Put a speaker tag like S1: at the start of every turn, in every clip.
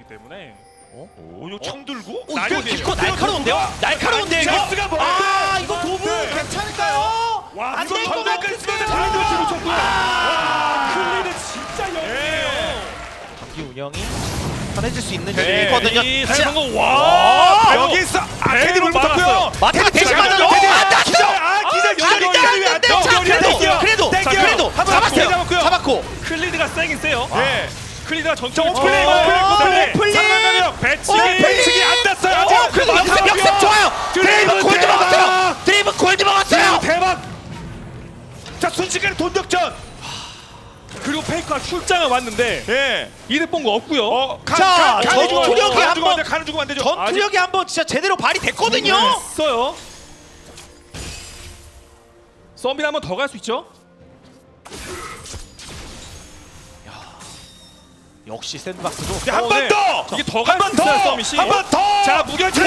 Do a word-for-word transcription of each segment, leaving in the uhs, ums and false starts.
S1: 때문에.
S2: 어?
S3: 오, 이거 창 들고?
S2: 오, 이거 기코 날카로운데요? 날카로운데요 이거?
S3: 잭스가 뭐야?
S2: 아, 이거 도부
S3: 네.
S2: 괜찮을까요?
S3: 와,
S2: 안
S3: 이거
S2: 될 것
S3: 전면까지 쓰면서
S2: 같은데요?
S3: 바인드 맞추고 쳤고요.
S1: 와, 클리드 진짜 영리해요.
S2: 경기 운영이 편해질 수 있는
S3: 네.
S2: 점이거든요.
S1: 이
S2: 자,
S1: 사이먼 와,
S3: 아, 여기 있어. 아케디 물 붙었고요.
S2: 마테가 대신 맞아요.
S3: 테디.
S2: 안 닿았어!
S3: 아, 기자
S2: 안
S3: 연결이
S2: 닿았는데! 자, 그래도! 그래도!
S3: 땡겨.
S2: 그래도!
S3: 한번
S2: 잡았어요!
S3: 잡았고요.
S2: 잡았고!
S1: 클리드가 세긴 세요.
S3: 네.
S1: 클리드가 전투
S3: 오플레이,
S2: 어,
S3: 오플레이,
S2: 오플레이.
S3: 상강가력 배치기,
S2: 오플레이.
S3: 배치기 안 땄어요.
S2: 어, 그래도 역습, 역습 좋아요! 드레이브 골드
S3: 대박.
S2: 먹었어요! 드레이브 골드 먹었어요!
S3: 대박. 자, 순식간에 돈격전.
S1: 그리고 페이커가 출장을 왔는데
S3: 예.
S1: 이득 본 거 없고요.
S3: 어, 가,
S2: 자,
S3: 가, 가는
S2: 전투력이
S3: 주고 가는
S2: 한번-
S3: 주고 안 돼, 가는 주고 안 되죠.
S2: 전투력이 한번 진짜 제대로 발휘 됐거든요?
S1: 있어요. 썸빈 한번 더 갈 수 있죠?
S2: 역시 샌드박스도
S3: 네, 한
S1: 어,
S3: 번
S1: 네.
S3: 더.
S1: 이게 더
S3: 한
S1: 갈
S3: 번
S1: 수 있어요,
S3: 더.
S1: 서밋이.
S3: 한 번 더.
S1: 자, 무결점.
S3: 이거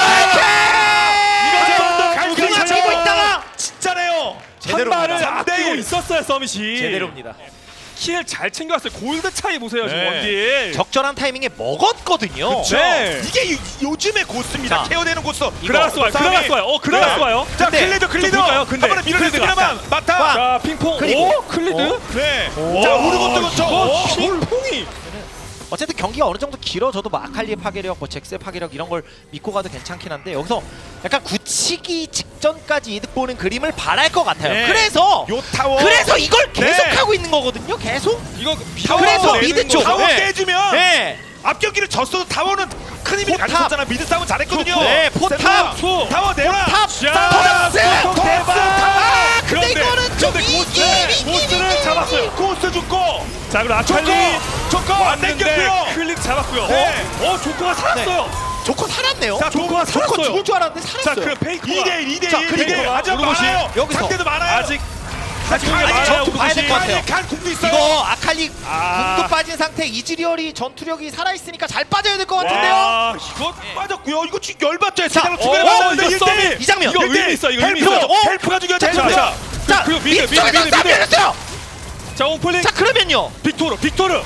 S2: 이거
S3: 한번더 갈
S2: 그냥
S3: 수
S2: 치고
S3: 있어요.
S2: 있다가
S3: 진짜네요.
S1: 한 발을
S3: 삼 대
S1: 아끼고
S3: 일.
S1: 있었어요, 서밋이.
S2: 제대로입니다.
S1: 킬 잘 챙겨왔어요. 골드 차이 보세요, 지금
S3: 네.
S1: 원딜.
S2: 적절한 타이밍에 먹었거든요.
S3: 그쵸?
S1: 네.
S3: 이게 요, 요즘의 고스입니다.
S2: 자.
S3: 케어되는 고스.
S1: 그라가스 와요,
S3: 싸움이.
S1: 그라가스 와요. 어, 그라가스
S3: 네.
S1: 와요.
S3: 자,
S2: 근데
S3: 클리드, 클리드.
S1: 좀 볼까요? 근데
S3: 한 번에 밀어냈습니다만 마타.
S2: 와.
S1: 자, 핑퐁.
S2: 그리고.
S1: 오, 클리드.
S2: 어?
S3: 네.
S2: 오.
S3: 자, 오르곤 뜨고
S1: 어,
S3: 쳐.
S1: 핑퐁이.
S2: 어쨌든 경기가 어느 정도 길어져도 뭐 아칼리의 파괴력, 뭐 잭스의 파괴력 이런 걸 믿고 가도 괜찮긴 한데 여기서 약간 굳히기 직전까지 이득 보는 그림을 바랄 것 같아요.
S3: 네.
S2: 그래서
S3: 요 타워.
S2: 그래서 이걸 계속
S3: 네.
S2: 하고 있는 거거든요. 계속.
S1: 이거
S2: 그래서
S1: 내는
S2: 미드 쪽.
S1: 거죠.
S3: 타워
S2: 네.
S3: 깨주면
S2: 네.
S3: 앞 경기를 졌어도 타워는 큰 힘이
S2: 포탑.
S3: 가졌잖아. 미드 싸움 잘했거든요.
S2: 네, 포탑.
S3: 샌드박.
S1: 투.
S3: 타워 내놔.
S2: 탑.
S3: 자,
S2: 토스.
S3: 토스.
S2: 대박. 아, 근데
S1: 그런데-
S2: 이거는 좀
S1: 그런데
S2: 이기
S1: 고스, 고스를 잡았어요.
S3: 고스 죽고.
S1: 자, 그리고 아칼리
S3: 조커. 조커
S1: 왔는데
S3: 땡겼고요.
S1: 클리드 잡았고요.
S3: 네.
S1: 어, 어, 조커가 살았어요.
S2: 조커 살았네요.
S3: 자, 조커가
S2: 조커
S1: 살았어요.
S2: 죽을 줄 알았는데
S1: 자,
S2: 살았어요.
S1: 그럼 페이커가
S3: 이 대 일, 이 대 일.
S2: 자, 그리고
S3: 아주
S1: 우르고시.
S3: 많아요.
S2: 여기서.
S3: 상대도 많아요.
S1: 아직 아직
S3: 아니,
S1: 많아요.
S2: 전투 봐야 될 것
S1: 우르고시.
S2: 같아요.
S3: 간 궁도 있어요.
S2: 이거 아칼리
S1: 아.
S2: 궁도 빠진 상태 이즈리얼이 전투력이 살아있으니까 잘 빠져야 될 것 같은데요.
S1: 와,
S3: 이거 빠졌고요. 이거 지금 열받죠.
S2: 자,
S3: 제대로
S2: 어,
S3: 투매를
S1: 어,
S3: 맞았는데
S1: 이거
S3: 일 대 일.
S1: 서밋.
S2: 이 장면.
S1: 이거 의미 있어. 이거 의미
S3: 헬프가,
S1: 있어.
S3: 어? 헬프가 중요하죠.
S2: 자,
S3: 헬프가.
S1: 자,
S2: 자,
S1: 그리고 미드, 미드,
S2: 이쪽에서
S1: 미드,
S2: 싹
S1: 미드.
S2: 열렸어요.
S1: 자, 오플링.
S2: 자, 그러면요.
S1: 빅토르, 빅토르.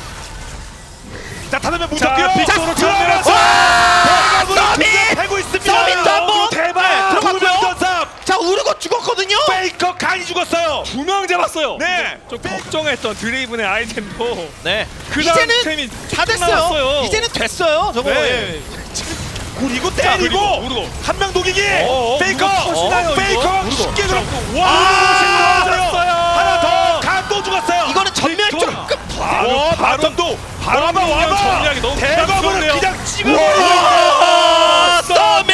S3: 자, 다섯 명
S1: 자,
S3: 뭉쳤고요.
S1: 빅토르
S3: 들어가서
S2: 와! 서밋!
S3: 패고 있습니다.
S2: 서밋도 한번
S3: 어, 대박.
S2: 들어갔고요.
S3: 두명 전삽.
S2: 자, 우르고 죽었거든요.
S3: 페이커 간이 죽었어요.
S1: 두 명 잡았어요.
S3: 네.
S1: 좀 걱정했던 드레이븐의 아이템도
S2: 네.
S1: 그 다음
S2: 이제는
S1: 템이
S2: 다 됐어요.
S1: 나왔어요.
S2: 이제는 됐어요. 저거.
S1: 네.
S2: 예.
S3: 그리고
S1: 자,
S3: 때리고
S1: 그리고 우르고.
S3: 한 명 녹이기.
S1: 어, 어,
S3: 페이커.
S1: 우르고 터지나요, 이거?
S3: 페이커
S1: 우르고.
S3: 쉽게
S1: 자,
S3: 들었고.
S1: 와,
S3: 와,
S1: 들었어요.
S3: 하나 더. 간 또 죽었어요.
S2: 이거는 전멸
S1: 빅토르.
S2: 조금
S1: 바로,
S3: 와,
S1: 바로,
S3: 바텀도
S1: 바로
S3: 와봐
S1: 미니언
S3: 와봐.
S1: 정리하기 너무
S3: 대검으로
S1: 부담스럽네요.
S3: 그냥 찍어.
S2: 와, 서밋!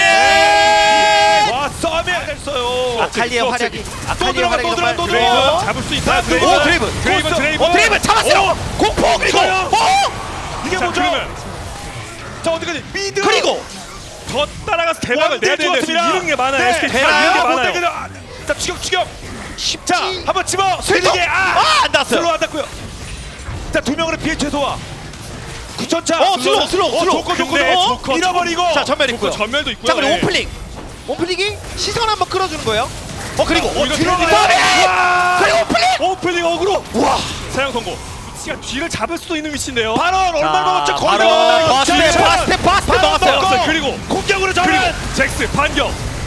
S3: 와, 서밋 했어요.
S2: 아칼리의
S1: 또
S2: 활약이
S3: 또
S2: 아칼리의
S3: 들어가,
S2: 활약이
S3: 또
S2: 정말
S3: 들어가, 또
S1: 드레이븐
S3: 들어가.
S1: 잡을 수 있다.
S3: 오,
S1: 드레이븐.
S2: 드레이븐.
S1: 드레이븐,
S3: 고스.
S1: 드레이븐.
S2: 어, 드레이븐 잡았어요. 공포 그리고
S3: 이거요?
S2: 어!
S3: 이게
S1: 자,
S3: 뭐죠?
S1: 그러면
S3: 자, 어디까지? 미드.
S2: 그리고
S1: 더 따라가서 대박을 내야 되는데 지금 이런 게 많아요.
S3: 네.
S1: 에스케이가
S2: 대박.
S1: 이런 게
S3: 못
S1: 많아요.
S3: 되게 아, 자, 추격 추격.
S2: 쉽지.
S3: 자, 한번 집어.
S2: 슬쩍.
S3: 세게. 아,
S2: 아, 안 닿았어요.
S3: 슬로우 안 닿고요. 자, 두 명으로 피해 최소화. 구천차.
S2: 어, 슬로우, 슬로우, 슬로우.
S3: 조커 조커
S1: 근데
S3: 어?
S1: 조커,
S3: 잃어버리고.
S2: 자, 전멸 있고요.
S1: 전멸도 있고요.
S2: 자, 그리고
S1: 네.
S2: 오플링. 오플링이 시선 한번 끌어주는 거예요. 어, 그리고
S1: 어, 이거
S2: 들어가요.
S1: 들어가요.
S3: 와.
S2: 그리고 오플링.
S1: 오플링 어그로.
S2: 와.
S1: 사용 성공. 위치가 뒤를 잡을 수도 있는 위치인데요.
S3: 발언 얼마 먹었죠? 거의
S2: 바로
S3: 다
S2: 바스텝
S3: 먹었죠.
S2: 바스텝 바스텝
S3: 바로
S2: 먹었어요.
S3: 먹고.
S1: 그리고
S3: 공격으로 전환.
S1: 그리고 잭스 반격.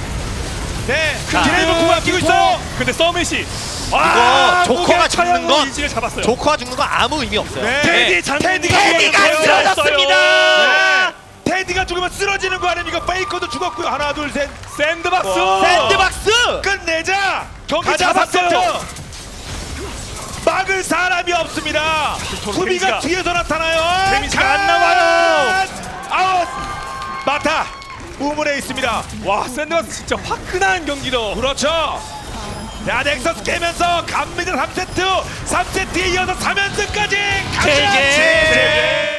S3: 네.
S2: 자.
S3: 드레이브 구만 끼고 있어요.
S1: 근데 서밋이
S2: 이거 조커가 죽는 건
S1: 이지를 잡았어요.
S2: 조커가 죽는 건 아무 의미 없어요.
S3: 네.
S1: 테디 장군이
S3: 테디가
S2: 테디가
S3: 죽었어요.
S2: 쓰러졌습니다.
S3: 네. 테디가 죽으면 쓰러지는 거 아닙니까? 페이커도 죽었고요. 하나, 둘, 셋.
S1: 샌드박스.
S2: 샌드박스.
S3: 끝내자.
S1: 경기
S3: 가자,
S1: 잡았어요.
S3: 삼 세트. 막을 사람이 없습니다. 수비가
S1: 데미지가.
S3: 뒤에서 나타나요.
S1: 데미지가 안 나와요.
S3: 아웃. 마타. 우물에 있습니다.
S1: 와, 샌드박스 진짜 화끈한 경기로.
S3: 그렇죠. 자, 넥서스 깨면서 갑니다. 삼 세트. 삼 세트에 이어서 삼 연승까지 가자.
S2: 제제.
S3: 제제.